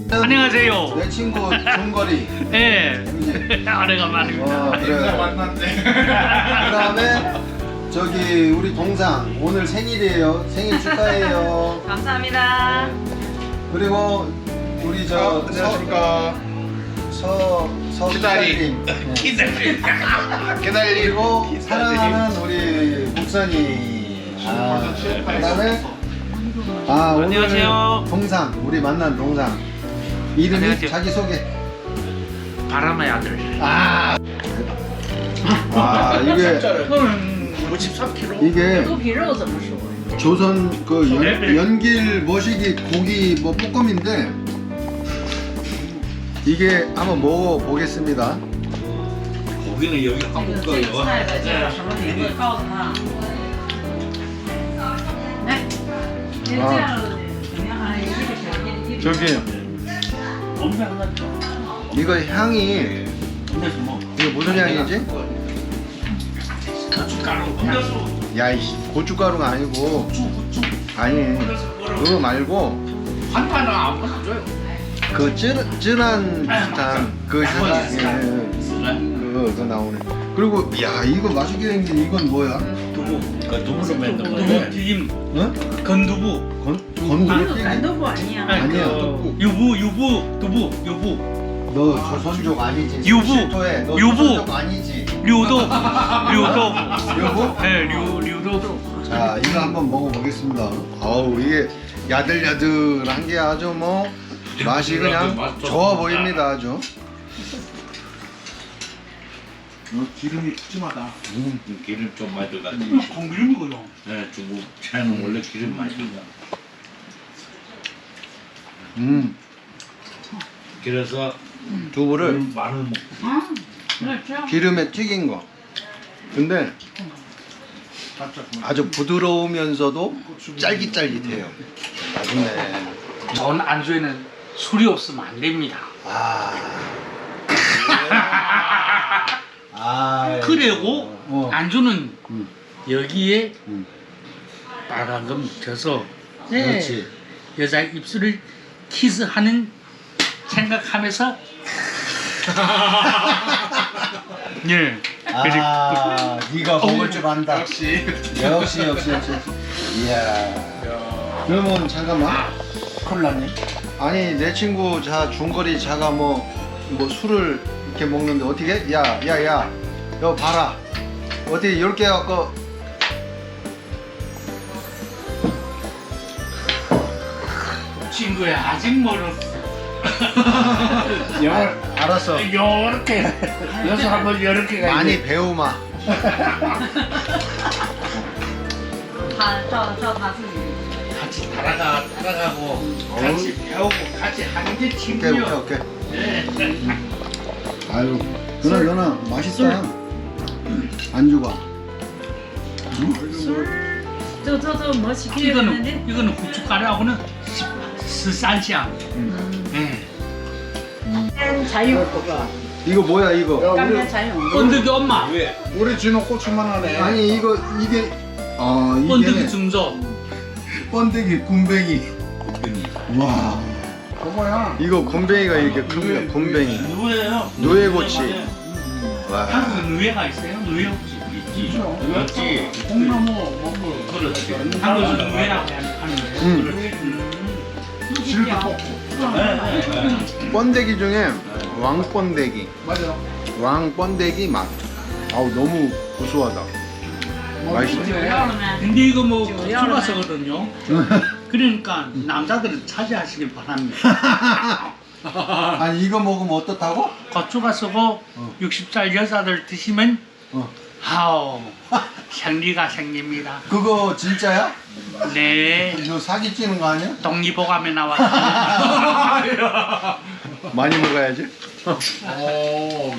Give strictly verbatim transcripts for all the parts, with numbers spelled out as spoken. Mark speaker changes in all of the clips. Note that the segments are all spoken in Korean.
Speaker 1: 안녕하세요.
Speaker 2: 내 친구 종거리.
Speaker 1: 예. 오래간만입니다.
Speaker 2: 어, 그래.
Speaker 3: 만났네.
Speaker 2: 그다음에 저기 우리 동상 오늘 생일이에요. 생일 축하해요.
Speaker 4: 감사합니다.
Speaker 2: 그리고 우리 저
Speaker 3: 안녕하십니까.
Speaker 2: 서, 서
Speaker 3: 기다림.
Speaker 2: 기다림.
Speaker 3: 기다림.
Speaker 2: 그리고
Speaker 3: 기다림.
Speaker 2: 사랑하는 우리 목사님. 아, 그다음에 아 오늘
Speaker 1: 안녕하세요.
Speaker 2: 동상 우리 만난 동상 이름이
Speaker 1: 안녕하세요.
Speaker 2: 자기 소개.
Speaker 1: 바람의 아들.
Speaker 2: 아, 아 이게
Speaker 1: 오십삼 킬로그램.
Speaker 2: 이게
Speaker 4: 肚皮肉怎么说？
Speaker 2: 조선 그 연, 연길 머시기 고기 뭐 볶음인데 이게 한번 먹어 보겠습니다.
Speaker 5: 고기는 여기
Speaker 4: 这
Speaker 5: 한국
Speaker 4: 个这个
Speaker 5: 거예요.
Speaker 4: 菜的叫什么名字？告诉他。来，你这样的怎么样？还有一个小一一个。
Speaker 2: 저기 이거 향이 이거 무슨 향이지? 야이씨 고춧가루가 아니고 아니 그거 말고
Speaker 1: 한판은 아무나 줘요.
Speaker 2: 그 쯔, 쯔란 비슷한 그 향이 그거 그거 나오네. 그리고 야 이거 맛있게 생긴 이건 뭐야?
Speaker 5: 두부. 그 두부로 만든
Speaker 1: 두부
Speaker 5: 건데.
Speaker 1: 튀김.
Speaker 2: 응?
Speaker 1: 건두부.
Speaker 2: 건 건두부 튀김?
Speaker 4: 干豆腐아니야.
Speaker 2: 아니야.
Speaker 1: 그 유부 유부 두부 유부.
Speaker 2: 너 조선족 아니지?
Speaker 1: 유부.
Speaker 2: 실토해. 너
Speaker 1: 유부.
Speaker 2: 조선족 아니지?
Speaker 1: 류도부. 류도부.
Speaker 2: 유부?
Speaker 1: 네, 류 류도부.
Speaker 2: 자 이거 한번 먹어보겠습니다. 아우 이게 야들야들한 게 아주 뭐 맛이 그냥 좋아 보입니다 아주.
Speaker 3: 어, 기름이 푸짐하다.
Speaker 2: 음.
Speaker 5: 기름 좀 많이 들어가지.
Speaker 1: 공기름이고요.
Speaker 5: 네, 중국 차는 원래 기름 많이 들어가.
Speaker 2: 음
Speaker 5: 그래서
Speaker 2: 두부를
Speaker 5: 마늘 먹고.
Speaker 4: 嗯，那这样。
Speaker 2: 기름에 튀긴 거. 근데 아주 부드러우면서도 짤깃짤깃해요. 맛있네.
Speaker 1: 전 안주에는 술이 없으면 안 됩니다.
Speaker 2: 아. 아.
Speaker 1: 그리고
Speaker 2: 어.
Speaker 1: 안주는
Speaker 2: 음.
Speaker 1: 여기에
Speaker 2: 음.
Speaker 1: 빨간 거 묻혀서
Speaker 2: 그렇지.
Speaker 1: 여자 입술을 키스하는 생각하면서 예.
Speaker 2: 아, 네가 먹을 줄 안다.
Speaker 3: 역시.
Speaker 2: 역시 역시 역시. 이야. 그러면 잠깐만.
Speaker 1: 콜라님.
Speaker 2: 아니 내 친구 자 중거리 자가 뭐 뭐 술을 이렇게 먹는데 어떻게? 야, 야, 야. 여 봐라. 어떻게 이렇게 갖고
Speaker 1: 친구야 아직 멀었어.
Speaker 2: 아, 알았어.
Speaker 1: 요렇게 여기서 한번 요렇게 가야
Speaker 2: 많이 배우마.
Speaker 4: 他照照他自己。
Speaker 1: 같이 따라가 따라가고 같이 배우고 같이 하는 게
Speaker 2: 오케이
Speaker 1: 친구요.
Speaker 2: 오케이 오케이.
Speaker 1: 네.
Speaker 2: 아유, 그나 그나 맛있다. 안주가.
Speaker 4: 술，就就就磨起皮
Speaker 1: 이거는
Speaker 4: 的。
Speaker 1: 이거는 고춧가루하고는十三香. 네.
Speaker 4: 干柴油个，
Speaker 2: 이거 뭐야 이거?
Speaker 4: 干煸柴油。
Speaker 1: 번데기 엄마.
Speaker 5: 왜?
Speaker 3: 우리 진호 고추만 하네.
Speaker 2: 아니 이거 이게 아
Speaker 1: 번데기
Speaker 2: 이게
Speaker 1: 중조.
Speaker 2: 번데기 굼벵이.
Speaker 5: 고기니.
Speaker 2: 와.
Speaker 3: 그거야.
Speaker 2: 이거 굼벵이가 이렇게 큽니다. 굼벵이.
Speaker 1: 누에요.
Speaker 2: 누에고치. 와.
Speaker 1: 한국에 누에가 있어요? 누에 혹시 있지?
Speaker 5: 그렇지.
Speaker 3: 콩나무 먹고.
Speaker 5: 그렇지.
Speaker 1: 한국에서 누에라고 하는데.
Speaker 2: 음.
Speaker 3: 질도 뽑고.
Speaker 2: 번데기 중에 왕번데기.
Speaker 3: 맞아.
Speaker 2: 왕번데기 맛. 아우 너무 고소하다. 맛있어.
Speaker 4: 酒要了没？
Speaker 1: 근데 이거 뭐 고추가서거든요. 그러니까 남자들은 차지하시길 바랍니다.
Speaker 2: 아니 이거 먹으면 어떻다고?
Speaker 1: 고추가서고
Speaker 2: 어.
Speaker 1: 육십 살 여자들 드시면
Speaker 2: 어.
Speaker 1: 하오 생리가 생깁니다.
Speaker 2: 그거 진짜야?
Speaker 1: 네.
Speaker 2: 이거 사기 찌는 거 아니야?
Speaker 1: 독립보감에 나왔어요.
Speaker 2: 많이 먹어야지.
Speaker 3: 오,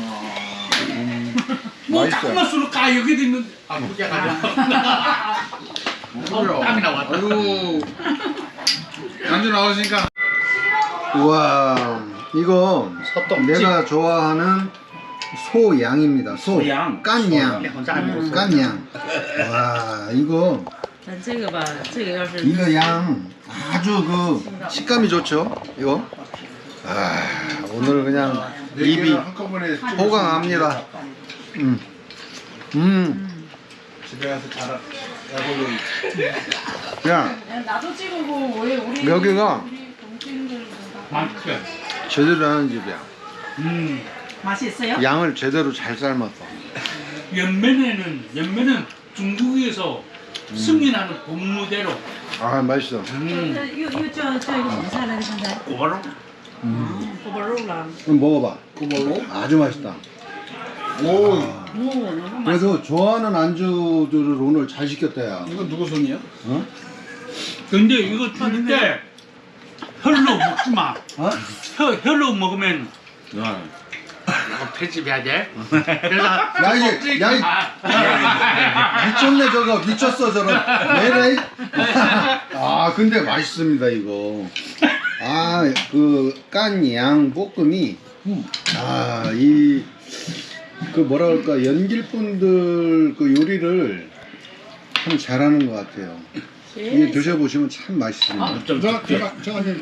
Speaker 1: 뭐
Speaker 2: 맛있어요.
Speaker 1: 잠깐만 술을 까 여기도 있는데 아 그게 가자. 어, 땀이 나왔다.
Speaker 3: 아유. 안주 나오시니까.
Speaker 2: 우와 이거 내가 좋아하는 소양입니다. 소.
Speaker 5: 소양.
Speaker 2: 깐양.
Speaker 1: 네, 혼자 안 먹었어요.
Speaker 2: 깐양. 와 이거
Speaker 4: 但这个吧，这个要是
Speaker 2: 이거 양 아주 그 식감이 좋죠. 이거 아, 오늘 그냥
Speaker 3: 네
Speaker 2: 입이
Speaker 3: 개를 한꺼번에
Speaker 2: 호강합니다. 음, 음,
Speaker 3: 집에 가서 자라 야구를
Speaker 2: 그냥
Speaker 4: 나도 찍고 왜 우리
Speaker 2: 여기가
Speaker 4: 우리 동생들
Speaker 1: 맛있어.
Speaker 2: 제대로 하는 집이야.
Speaker 1: 음.
Speaker 4: 맛이 있어요?
Speaker 2: 양을 제대로 잘 삶았어.
Speaker 1: 연면에는 연면은 중국에서 승인하는 본무대로.
Speaker 2: 아, 맛있어.
Speaker 1: 음.
Speaker 4: 이거 이거 저 저 이거 무슨 사람이 산다?
Speaker 1: 고바로.
Speaker 4: 고발로랑.
Speaker 2: 그럼 먹어봐.
Speaker 3: 그걸로
Speaker 2: 아주 맛있다.
Speaker 3: 오
Speaker 4: 오 너무 맛.
Speaker 2: 그래도 좋아하는 안주들을 오늘 잘 시켰다, 야.
Speaker 3: 이건 누구 손이야?
Speaker 2: 어?
Speaker 1: 근데 이거 줄 때 혈로 먹지 마.
Speaker 2: 어?
Speaker 1: 혀, 혈로 먹으면 이거 편집해야 돼. 그래서
Speaker 2: 야, 이게, 야, 이 미쳤네, 저거. 미쳤어, 저거. 왜래? 아, 근데 맛있습니다, 이거. 아, 그, 깐 양 볶음이, 아, 이, 그 뭐라 그럴까, 연길분들 그 요리를 참 잘하는 것 같아요. 이 드셔보시면 참 맛있습니다.
Speaker 3: 제가 제가 제가 이제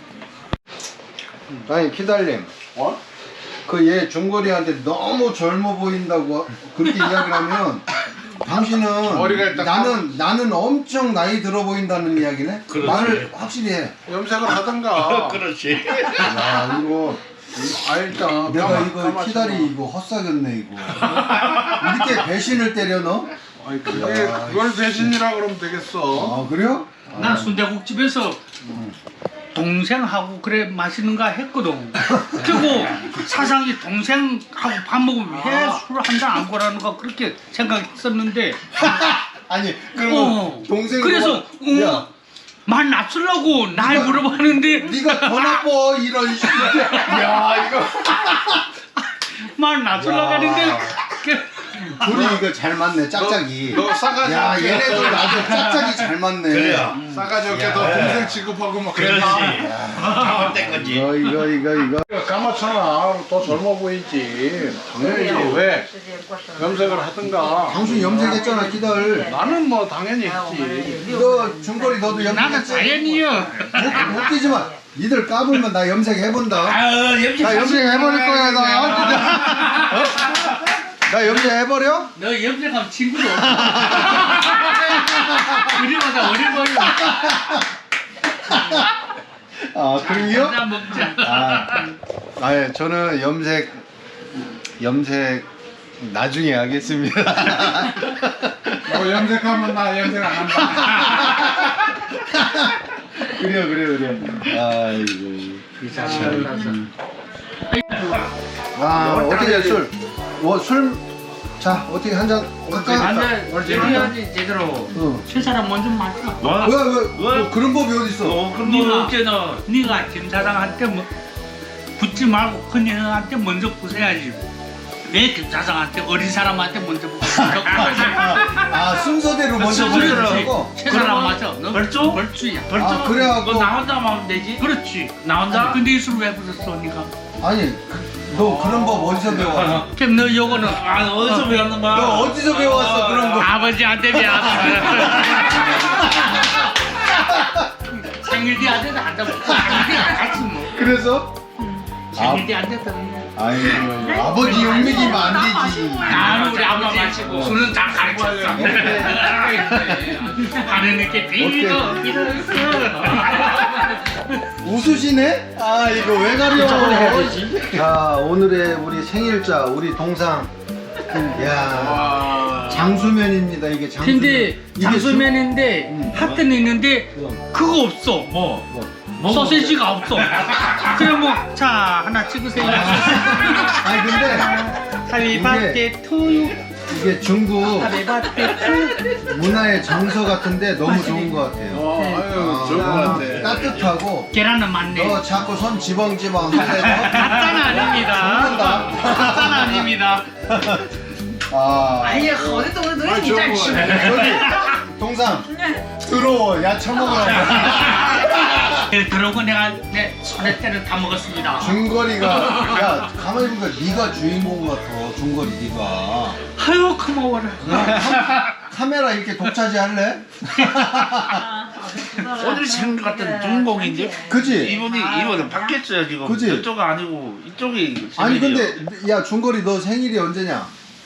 Speaker 2: 아니, 키달님.
Speaker 3: 어?
Speaker 2: 그 얘 중거리한테 너무 젊어 보인다고 그렇게 이야기를 하면 당신은
Speaker 3: 머리가 일단
Speaker 2: 나는 나는 엄청 나이 들어 보인다는 이야기네.
Speaker 5: 그렇지.
Speaker 2: 말을 확실히 해.
Speaker 3: 염색을 하던가.
Speaker 5: 그렇지.
Speaker 2: 야 이거
Speaker 3: 아 일단
Speaker 2: 내가
Speaker 3: 까마-
Speaker 2: 이거
Speaker 3: 까마지마.
Speaker 2: 키다리 이거 헛사겼네 이거. 이렇게 배신을 때려 너?
Speaker 3: 아니 그게 그걸 대신이라 그러면 되겠어.
Speaker 2: 아 그래요?
Speaker 1: 난 순대국집에서 동생하고 그래 맛있는 거 했거든. 그리고 사상이 동생하고 밥 먹으면 왜 술 한 잔 안 고라는 거 그렇게 생각했었는데.
Speaker 2: 아니 그럼
Speaker 1: 어.
Speaker 2: 동생
Speaker 1: 그래서
Speaker 2: 야
Speaker 1: 어, 말 낮추려고 날
Speaker 2: 네가-
Speaker 1: 물어봤는데
Speaker 2: 네가 더 나빠 이런 식. 야 이거
Speaker 1: 말 낮추려고
Speaker 2: 야.
Speaker 1: 하는데 그-
Speaker 2: 둘이 이거 잘 맞네 짝짝이.
Speaker 3: 너 싸가지
Speaker 2: 야
Speaker 3: 없게.
Speaker 2: 얘네들 아주 짝짝이 잘 맞네.
Speaker 5: 그래요.
Speaker 3: 싸가지 없게 너 동생 취급하고 막
Speaker 5: 그렇지.
Speaker 3: 그랬나?
Speaker 5: 잘못된 거지.
Speaker 2: 이거 이거 이거 이거.
Speaker 3: 까맣잖아. 더 젊어 보이지. 당연히 왜 염색을 하든가.
Speaker 2: 당신 염색했잖아 기다려.
Speaker 3: 나는 뭐 당연히 했지.
Speaker 2: 너 중거리 너도
Speaker 1: 나는
Speaker 2: 염색했어.
Speaker 1: 자연이요.
Speaker 2: 웃- 웃기지 마. 니들 까불면 나 염색해본다.
Speaker 5: 아, 염색.
Speaker 2: 나 염색해버릴 거야 나. 어? 나 염색해버려?
Speaker 1: 너 염색하면 친구도 없어. 우리보다 어려 보여.
Speaker 2: 아 그럼요?
Speaker 1: 한잔 먹자.
Speaker 2: 아, 아 예, 저는 염색 염색 나중에 하겠습니다.
Speaker 3: 너 염색하면 나 염색 안 한다.
Speaker 2: 그래요 그래요 그래요. 아이고. 아 어떻게 술? 뭐 술? 자 어떻게 한 잔 할까?
Speaker 1: 한잔 해야지 제대로.
Speaker 2: 응.
Speaker 1: 세 사람 먼저 마셔.
Speaker 5: 뭐?
Speaker 2: 왜 왜? 뭐 그런 법이 어디 있어?
Speaker 5: 어, 그럼
Speaker 1: 네가
Speaker 5: 뭐
Speaker 1: 어째너 네가 김사장한테 뭐 붙지 말고 큰 형한테 먼저 부숴야지. 왜 김사장한테 어린 사람한테 먼저 부숴?
Speaker 2: 아 순서대로 먼저 보내라고?
Speaker 1: 세 사람 맞아. 너 벌주? 벌주야. 벌주.
Speaker 2: 아, 그래갖고-
Speaker 1: 너 나 혼자 하면 되지. 그렇지. 나 혼자. 근데 이 술 왜 부쉈어, 네가?
Speaker 2: 아니 그, 너 그런 법 어디서 배워?
Speaker 1: 그럼 너 요거는
Speaker 5: 아, 어디서 배웠는 거야?
Speaker 2: 너 어디서 배웠어 그런 거?
Speaker 1: 아버지한테 배웠어. 생일 뒤한테도 한다 먹고 생일 뒤안 같이 뭐.
Speaker 2: 그래서?
Speaker 1: 생일 뒤한테도
Speaker 2: 아이고 아버지 욕먹이면 안 되지.
Speaker 1: 나는 우리 아버지 마시고 술은 다 가르쳤어. 하는 이렇게 비리고 비리고.
Speaker 2: 웃으시네? 아 이거 왜 가려? 자 오늘의 우리 생일자 우리 동상. 야
Speaker 3: 와.
Speaker 2: 장수면입니다 이게 장수면.
Speaker 1: 근데
Speaker 2: 이게
Speaker 1: 장수면인데
Speaker 2: 음.
Speaker 1: 하트는 있는데 그거 없어.
Speaker 5: 뭐? 뭐
Speaker 1: 소세지가 없어. 그래 뭐자 하나 찍으세요.
Speaker 2: 수- 아니 근데
Speaker 1: 하비 바테 투유.
Speaker 2: 이게 중국
Speaker 1: 하비 바테 투.
Speaker 2: 문화의 정서 같은데 너무 좋은 것 같아요.
Speaker 3: 어, 아유, 좋은 것
Speaker 2: 너무
Speaker 3: 같아.
Speaker 2: 따뜻하고
Speaker 1: 계란은 많네.
Speaker 2: 너 자꾸 손 지벙지벙 하면서
Speaker 1: 가짜는 아닙니다.
Speaker 2: 죽는다.
Speaker 1: 가짜는 아닙니다.
Speaker 2: 아
Speaker 4: 아예 어디서 오늘
Speaker 3: 아,
Speaker 4: 너희
Speaker 3: 좋은
Speaker 4: 진짜
Speaker 3: 거 같아.
Speaker 2: 저기 동상 들어와 야 처먹으라고.
Speaker 1: 네, 들어오고 내가 내 손에 때를 다 먹었습니다.
Speaker 2: 중거리가 야 가만히 보니까 네가 주인공 같아 중거리 네가.
Speaker 1: 아유 고마워라.
Speaker 2: 그냥 가- 카메라 이렇게 독차지 할래?
Speaker 5: 오늘 생각 같은 주인공인데.
Speaker 2: 그지?
Speaker 5: 이분이 이분은 바뀌었어요 지금.
Speaker 2: 그치?
Speaker 5: 이쪽 아니고 이쪽이.
Speaker 2: 아니
Speaker 5: 생일이에요.
Speaker 2: 근데 야 중거리 너 생일이 언제냐?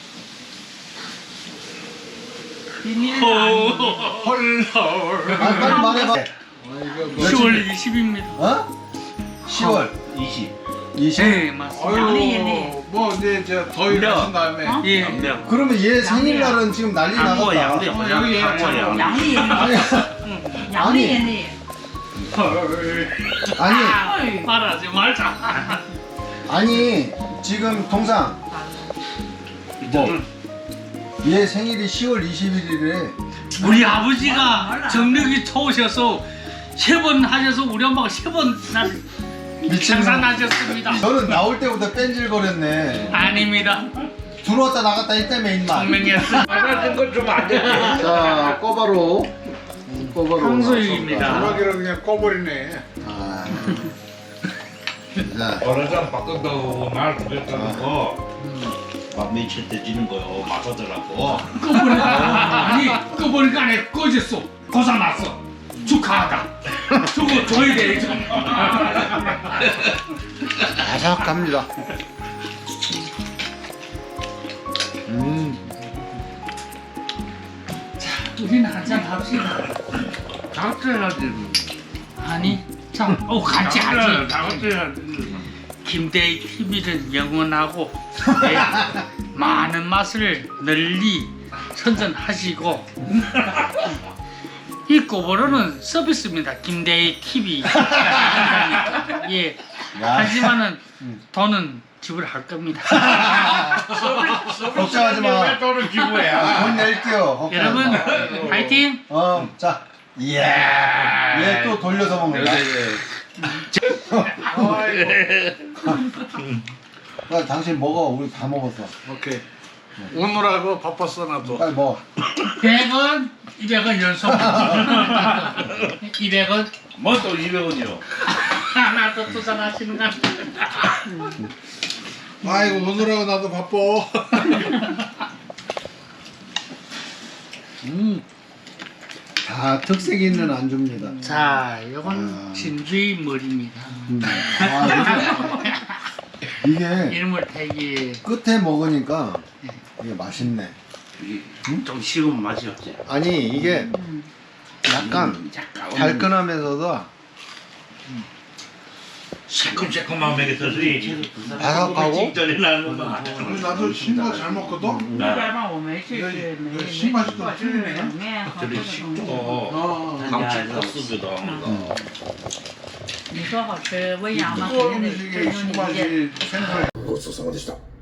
Speaker 1: 헐헐.
Speaker 2: 아 빨리 말해봐.
Speaker 1: 시월 이십입니다.
Speaker 2: 어? 시월
Speaker 5: 이십.
Speaker 2: 이십.
Speaker 1: 네 맞습니다.
Speaker 3: 아유, 뭐 이제 저 더위 가신 다음에
Speaker 4: 어?
Speaker 1: 예.
Speaker 5: 양명.
Speaker 2: 그러면 얘 생일날은 지금 난리
Speaker 5: 양보
Speaker 2: 나갔다.
Speaker 5: 양대.
Speaker 3: 어, 여기
Speaker 5: 양보 양.
Speaker 4: 양리
Speaker 2: 아니
Speaker 4: 양리 얘네.
Speaker 2: 아니
Speaker 1: 말하지 말자.
Speaker 2: 아니 지금 동상 뭐? 얘 생일이 시월 이십일이래.
Speaker 1: 우리 아버지가 정력이 좋으셔서 세 번 하셔서 우리 엄마가 세번
Speaker 2: 미친
Speaker 1: 생산하셨습니다.
Speaker 2: 너는 나올 때부터 뺀질거렸네.
Speaker 1: 아닙니다.
Speaker 2: 들어왔다 나갔다 했다며 임마.
Speaker 1: 분명했어.
Speaker 5: 말하는 건좀안 돼.
Speaker 2: 자 꼬바로 꼬바로
Speaker 1: 황소입니다.
Speaker 3: 전화기를 그냥 꺼버리네.
Speaker 2: 아. 자
Speaker 5: 어느 사람 바꾼다고 말 그랬다는 거. 막 며칠 때 지는 거요. 맞아더라고.
Speaker 1: 꺼버리니까 아니 꺼버리니까 안에 꺼졌어. 고사 났어. 축하하다. 저거 줘야 돼. 저거.
Speaker 2: 바삭합니다. 음.
Speaker 1: 우리는 한잔 합시다.
Speaker 5: 다같이 해야지.
Speaker 1: 아니 자, 어 같이 하지.
Speaker 5: 다같이 해야지.
Speaker 1: 김대희 티비는 영원하고 네, 많은 맛을 널리 선전하시고 이 꼬보로는 서비스입니다. 김대희 티비. 예.
Speaker 2: 야.
Speaker 1: 하지만은 돈은 지불할 겁니다.
Speaker 2: 걱정하지 마.
Speaker 5: 돈을 기부해야.
Speaker 2: 돈 낼게요. 걱정하지
Speaker 1: 여러분
Speaker 2: 마.
Speaker 1: 파이팅.
Speaker 2: 어, 자, 이야, 얘 또 돌려서 먹는다. 야, 당신 먹어, 우리 다 먹었어.
Speaker 3: 오케이. 오늘하고 바빴어 나도.
Speaker 2: 빨리 먹어.
Speaker 1: 백 원, 이백 원 연속. 이백 원.
Speaker 5: 뭐 또 이백 원이요.
Speaker 1: 하나 더 투자하시는 거.
Speaker 3: 아이고 오늘하고 나도 바빠.
Speaker 2: 음, 다 특색 있는 안주입니다.
Speaker 1: 자, 이건
Speaker 2: 아.
Speaker 1: 진주의 머리입니다.
Speaker 2: 음. 아, 이게, 이게
Speaker 1: 이름을 되게
Speaker 2: 끝에 먹으니까 이게 맛있네.
Speaker 5: 좀 식으면 맛이 없지.
Speaker 2: 아니, 이게 약간 달큰하면서도
Speaker 5: 새콤새콤한 먹였더니
Speaker 2: 바삭하고
Speaker 5: 직전에 나는 거.
Speaker 3: 우리 나도 신거 잘 먹거든.
Speaker 4: 일般我们是是没
Speaker 3: 그 신맛이 좀 틀리네.
Speaker 4: 里面和
Speaker 5: 저리
Speaker 4: 这种
Speaker 5: 식도
Speaker 3: 어.
Speaker 5: 강치 코스기도 하고.
Speaker 4: 你说好吃，温阳嘛，
Speaker 3: 뜨거운
Speaker 4: 肯定得
Speaker 3: 음식에
Speaker 4: 真有你
Speaker 3: 신맛이 생선.
Speaker 6: ごちそうさまでした。